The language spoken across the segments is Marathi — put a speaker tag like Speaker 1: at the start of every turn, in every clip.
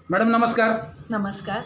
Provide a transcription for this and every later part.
Speaker 1: मॅडम नमस्कार.
Speaker 2: नमस्कार.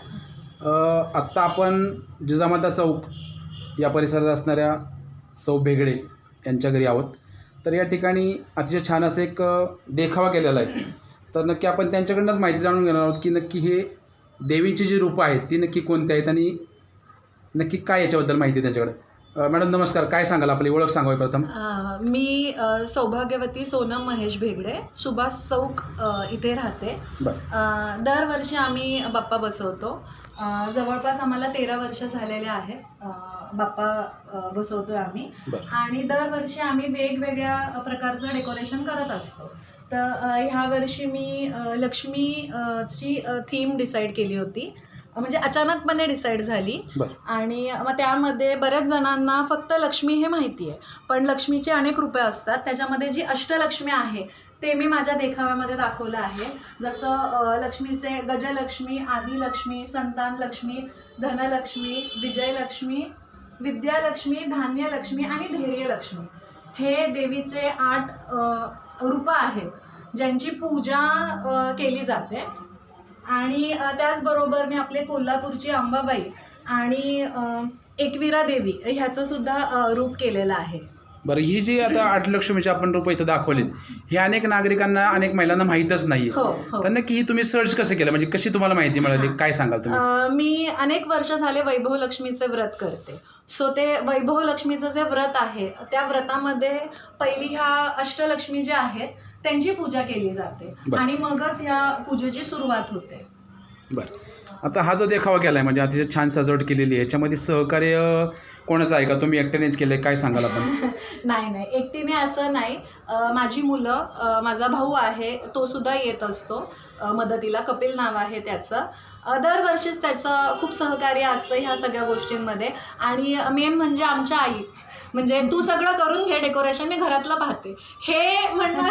Speaker 1: आत्ता आपण जिजामाता चौक या परिसरात असणाऱ्या सौ भेगडे यांच्या घरी आहोत. तर या ठिकाणी अतिशय छान असं एक देखावा केलेला आहे. तर नक्की आपण त्यांच्याकडूनच माहिती जाणून घेणार आहोत की नक्की हे देवींची जी रूपं आहेत ती नक्की कोणती आहेत आणि नक्की काय याच्याबद्दल माहिती आहे त्यांच्याकडे. मॅडम नमस्कार. काय सांगाल, आपली ओळख सांगावी प्रथम.
Speaker 2: मी सौभाग्यवती सोनम महेश भेगडे, सुभाष चौक इथे राहते.
Speaker 1: बरं.
Speaker 2: दरवर्षी आम्ही बाप्पा बसवतो. जवळपास आम्हाला 13 वर्ष झालेले आहेत बाप्पा बसवतोय आम्ही. आणि दरवर्षी आम्ही वेगवेगळ्या प्रकारचं डेकोरेशन करत असतो. तर ह्या वर्षी मी लक्ष्मीची थीम डिसाईड केली होती, म्हणजे अचानकपणे डिसाईड झाली. आणि मग त्यामध्ये बऱ्याच जणांना फक्त लक्ष्मी हे माहिती आहे, पण लक्ष्मीचे अनेक रूपे असतात. त्याच्यामध्ये जी अष्टलक्ष्मी आहे ते मी माझ्या देखाव्यामध्ये दाखवलं आहे. जसं लक्ष्मीचे गजलक्ष्मी, आदिलक्ष्मी, संतान लक्ष्मी, धनलक्ष्मी, विजयलक्ष्मी, विद्यालक्ष्मी, धान्यलक्ष्मी आणि धैर्यलक्ष्मी हे देवीचे 8 रूपं आहेत ज्यांची पूजा केली जाते. आणि त्याचबरोबर मी आपले कोल्हापूरची अंबाबाई आणि एकविरा देवी ह्याचं सुद्धा रूप केलेलं आहे.
Speaker 1: बरं, ही जी आता 8 लक्ष्मीची आपण रूपं इथं दाखवली, हे अनेक नागरिकांना, अनेक महिलांना माहीतच नाही.
Speaker 2: हो.
Speaker 1: तर नक्की ही तुम्ही सर्च कसं केलं, म्हणजे कशी तुम्हाला माहिती मिळाली, काय सांगाल तुम्ही.
Speaker 2: मी अनेक वर्ष झाले वैभव लक्ष्मीचे व्रत करते. सो ते वैभव लक्ष्मीचं जे व्रत आहे त्या व्रतामध्ये पहिली ह्या अष्टलक्ष्मी ज्या आहेत त्यांची पूजा केली जाते आणि मगच या पूजेची सुरुवात होते.
Speaker 1: बरं, आता हा जो देखावा केला आहे म्हणजे अतिशय छान सजावट केलेली आहे, याच्यामध्ये सहकार्य कोणाचं आहे का, तुम्ही एकट्यानेच केलं आहे, काय सांगाल आपण.
Speaker 2: नाही, एकटीने असं नाही. माझी मुलं, माझा भाऊ आहे तो सुद्धा येत असतो मदतीला. कपिल नाव आहे त्याचं. दरवर्षीच त्याचं खूप सहकार्य असतं ह्या सगळ्या गोष्टींमध्ये. आणि मेन म्हणजे आमच्या आई, म्हणजे तू सगळं करून घे डेकोरेशन, मी घरातलं पाहते, हे म्हणणं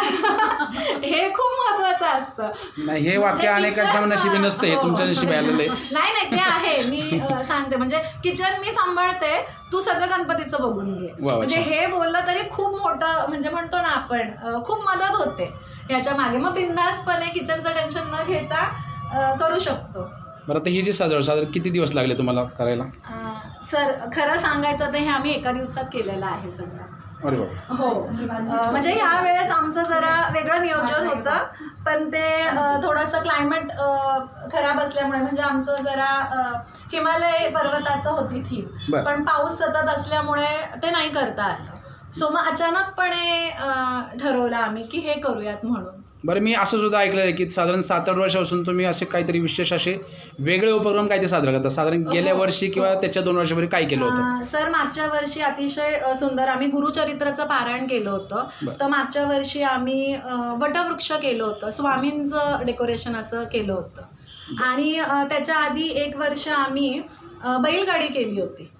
Speaker 2: हे खूप महत्त्वाचं असतं.
Speaker 1: नाही, हे वाक्य अनेकांच्या नशिबी नसतं, हे तुमच्या नशिबी आलेलं आहे.
Speaker 2: नाही ते आहे. मी सांगते म्हणजे किचन मी सांभाळते, तू सगळं गणपतीचं बघून घे. म्हणजे हे बोललं तरी खूप मोठं, म्हणजे म्हणतो ना आपण, खूप मदत होते ह्याच्या मागे. मग बिंदासपणे किचनचं टेन्शन न घेता करू शकतो.
Speaker 1: बरं, आता ही जी साधारण किती दिवस लागले तुम्हाला करायला.
Speaker 2: सर खरं सांगायचं तर हे आम्ही एका दिवसात केलेलं आहे सगळं.
Speaker 1: अरे बाबा.
Speaker 2: हो, म्हणजे ह्या वेळेस आमचं जरा वेगळं नियोजन होतं, पण ते थोडंसं क्लायमेट खराब असल्यामुळे, म्हणजे आमचं जरा हिमालय पर्वताचं होती थीम, पण पाऊस सतत असल्यामुळे ते नाही करता आलं. सो मग अचानकपणे ठरवलं आम्ही की हे करूयात म्हणून.
Speaker 1: बरं, मी असं सुद्धा ऐकलं आहे की साधारण 7-8 वर्षापासून तुम्ही असे काहीतरी विशेष असे वेगळे उपक्रम काय ते साजरा करता. साधारण गेल्या वर्षी किंवा त्याच्या 2 वर्षापूर्वी काय केलं होतं.
Speaker 2: सर मागच्या वर्षी अतिशय सुंदर आम्ही गुरुचरित्राचं पारायण केलं होतं. तर मागच्या वर्षी आम्ही वटवृक्ष केलं होतं, स्वामींचं डेकोरेशन असं केलं होतं. आणि त्याच्या आधी 1 वर्ष आम्ही बैलगाडी केली होती.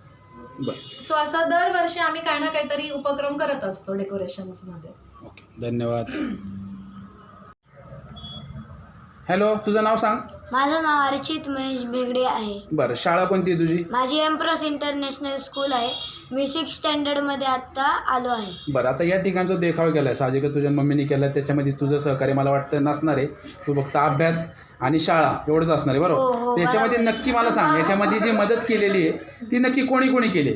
Speaker 2: सो असं दरवर्षी आम्ही काही ना काहीतरी उपक्रम करत असतो डेकोरेशन्समध्ये.
Speaker 1: ओके, धन्यवाद. हॅलो, तुझं नाव सांग.
Speaker 3: माझं नाव अर्चित महेश भेगडे आहे.
Speaker 1: बरं, शाळा कोणती आहे तुझी.
Speaker 3: माझी एम्प्रेस इंटरनॅशनल स्कूल आहे. मी 6th स्टँडर्डमध्ये आत्ता आलो आहे.
Speaker 1: बरं, आता या ठिकाणचा देखावा केला आहे, साहजिकच तुझ्या मम्मीने केला आहे, त्याच्यामध्ये तुझं सहकार्य मला वाटतं नसणार आहे. तू फक्त अभ्यास आणि शाळा एवढंच असणार आहे, बरोबर. त्याच्यामध्ये नक्की मला सांग, याच्यामध्ये जी मदत केलेली आहे ती नक्की कोणी केली.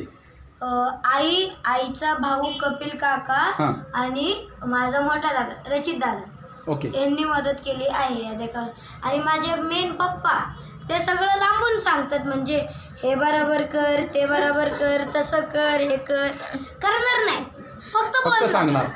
Speaker 3: आईचा भाऊ कपिल काका आणि माझा मोठा दादा रचित दादा,
Speaker 1: ओके,
Speaker 3: यांनी मदत केली आहे या देखाव्यात. आणि माझे मेन पप्पा ते सगळं लांबून सांगतात, म्हणजे हे बरोबर कर, ते बरोबर कर, तसं कर, हे करणार नाही, फक्त
Speaker 1: सांगणार.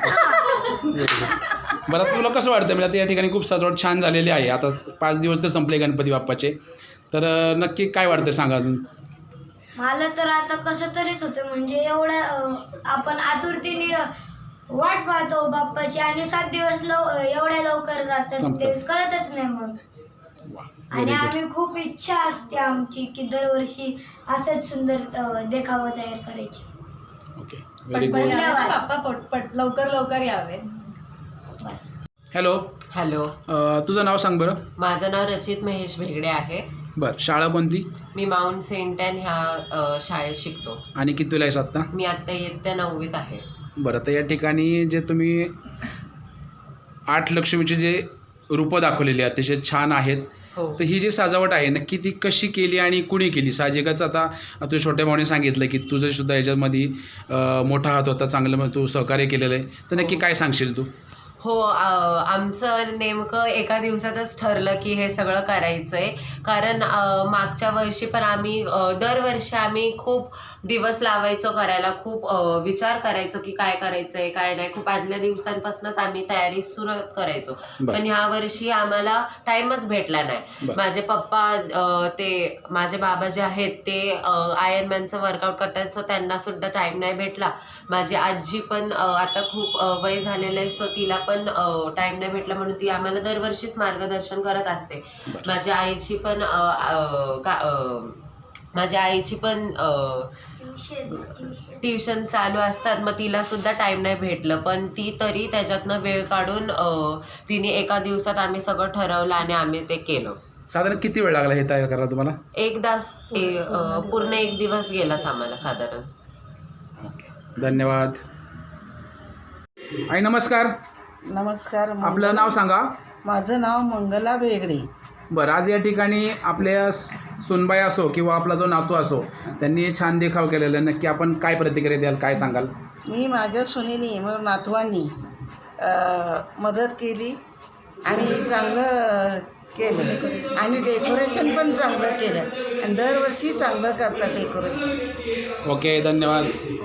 Speaker 1: बरं, तुला कसं वाटतं. म्हणजे आता या ठिकाणी खूप सजावट छान झालेली आहे. आता 5 दिवस तर संपले गणपती बाप्पाचे, तर नक्की काय वाटतं सांगा अजून.
Speaker 3: मला तर आता कसं तरीच होतं, म्हणजे एवढं आपण आतुरतेने वाट पाहतो बाप्पाची आणि 7 दिवस एवढ्या लवकर जातात ते कळतच नाही मग. आणि आम्ही खूप इच्छा असते आमची की दरवर्षी असंच सुंदर देखावा तयार करायची.
Speaker 1: ओके,
Speaker 2: बाप्पा लवकर यावे.
Speaker 3: बस.
Speaker 1: हॅलो. तुझं नाव सांग बरं.
Speaker 4: माझं नाव रचित महेश भेगडे आहे.
Speaker 1: बरं, शाळा कोणती.
Speaker 4: मी माउंट सेंट ॲन ह्या शाळेत शिकतो.
Speaker 1: आणि कितवीला आहेस आत्ता.
Speaker 4: मी आत्ता इयत्ता 9वीत आहे.
Speaker 1: बरं, तर या ठिकाणी जे तुम्ही 8 लक्ष्मीचे जे रूपं दाखवलेली अतिशय छान आहेत.
Speaker 4: हो.
Speaker 1: तर ही जी सजावट आहे नक्की ती कशी केली आणि कुणी केली? साहजिकच आता तुझ्या छोट्या भावाने सांगितलं की तुझं सुद्धा याच्यामध्ये मोठा हात होता, चांगलं मग तू सहकार्य केलेलं आहे. तर नक्की काय सांगशील तू?
Speaker 4: हो, आमचं नेमकं एका दिवसातच ठरलं की हे सगळं करायचं आहे. कारण मागच्या वर्षी पण आम्ही दरवर्षी आम्ही खूप दिवस लावायचो करायला, खूप विचार करायचो की काय करायचं आहे काय नाही. खूप आदल्या दिवसांपासूनच आम्ही तयारी सुरू करायचो.
Speaker 1: बरं.
Speaker 4: पण ह्या वर्षी आम्हाला टाईमच भेटला नाही.
Speaker 1: बरं.
Speaker 4: माझे पप्पा ते माझे बाबा जे आहेत ते आयर्नमॅनचं वर्कआउट करतात, सो त्यांना सुद्धा टाईम नाही भेटला. माझी आजी पण आता खूप वय झालेलं आहे, सो तिला पण टाईम नाही भेटला, म्हणून ती आम्हाला दरवर्षीच मार्गदर्शन करत असते. माझ्या आईची पण ट्युशन चालू असतात, मग तिला सुद्धा टाईम नाही भेटलं. पण ती तरी त्याच्यातनं वेळ काढून तिने एका दिवसात आम्ही सगळं ठरवलं आणि आम्ही ते केलं.
Speaker 1: साधारण किती वेळ लागला हे तयार करायला तुम्हाला?
Speaker 4: पूर्ण एक दिवस गेलाच आम्हाला साधारण.
Speaker 1: ओके, धन्यवाद. आई नमस्कार.
Speaker 5: नमस्कार.
Speaker 1: आपलं नाव सांगा.
Speaker 5: माझं नाव मंगला भेगडे.
Speaker 1: बरं, आज या ठिकाणी आपल्या सुनबाई असो किंवा आपला जो नातू असो त्यांनी छान देखाव केलेला आहे. नक्की आपण काय प्रतिक्रिया द्याल, काय सांगाल?
Speaker 5: मी माझ्या सुनेनी मग नातवांनी मदत केली आणि चांगलं केलं आणि डेकोरेशन पण चांगलं केलं आणि दरवर्षी चांगलं करतात डेकोरेशन.
Speaker 1: ओके, धन्यवाद.